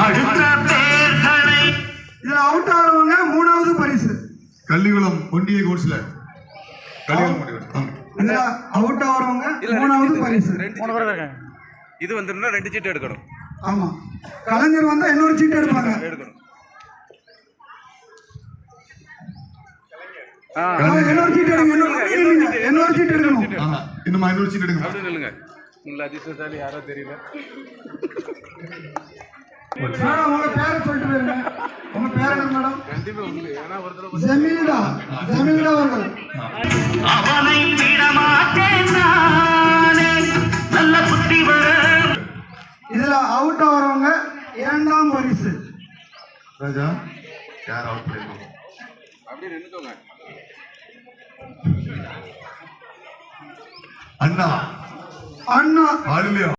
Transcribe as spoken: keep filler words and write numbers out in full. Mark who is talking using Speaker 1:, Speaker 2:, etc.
Speaker 1: இதுல அவுட் ஆகிறவங்க மூணாவது பரிசு.
Speaker 2: கள்ளிகுளம் ஒன்றிய கவுன்சிலர்
Speaker 1: இதுல அவுட் ஆகிறவங்க மூணாவது பரிசு.
Speaker 3: இது வந்துருந்தா ரெண்டு சீட்டு எடுக்கணும்.
Speaker 1: ஆமா, கலைஞர் வந்தா இன்னொரு சீட்டு எடுப்பாங்க.
Speaker 3: எடுக்கணும்.
Speaker 1: இன்னொரு சீட்டு எடுங்க, இன்னொரு சீட்டு எடுக்கணும்.
Speaker 2: இன்னும் இன்னொரு சீட்டு எடுங்க.
Speaker 3: அப்படி நில்லுங்க. உள்ள அதிர்ஷ்டசாலி யாரோ தெரியல.
Speaker 1: மேடம் உங்க பேரை சொல்லிட்டு போயிருங்க. உங்க பேர் என்ன மேடம்?
Speaker 3: கண்டிப்பா உண்டு. ஏன்னா ஒரு தடவை
Speaker 1: ஜமீல்டா ஜமீல்டா அவர்கள்.
Speaker 4: அவனை விடமாட்டேன் நானே நல்ல புத்தி வர.
Speaker 1: இதுல அவுட் ஆகிறவங்க இரண்டாம் பரிசு.
Speaker 2: ராஜா யார் அவுட் பண்ணிருக்கோம்?
Speaker 3: அப்படியே நின்னுக்கோங்க.
Speaker 2: அண்ணா
Speaker 1: அண்ணா
Speaker 2: ஆளுலையா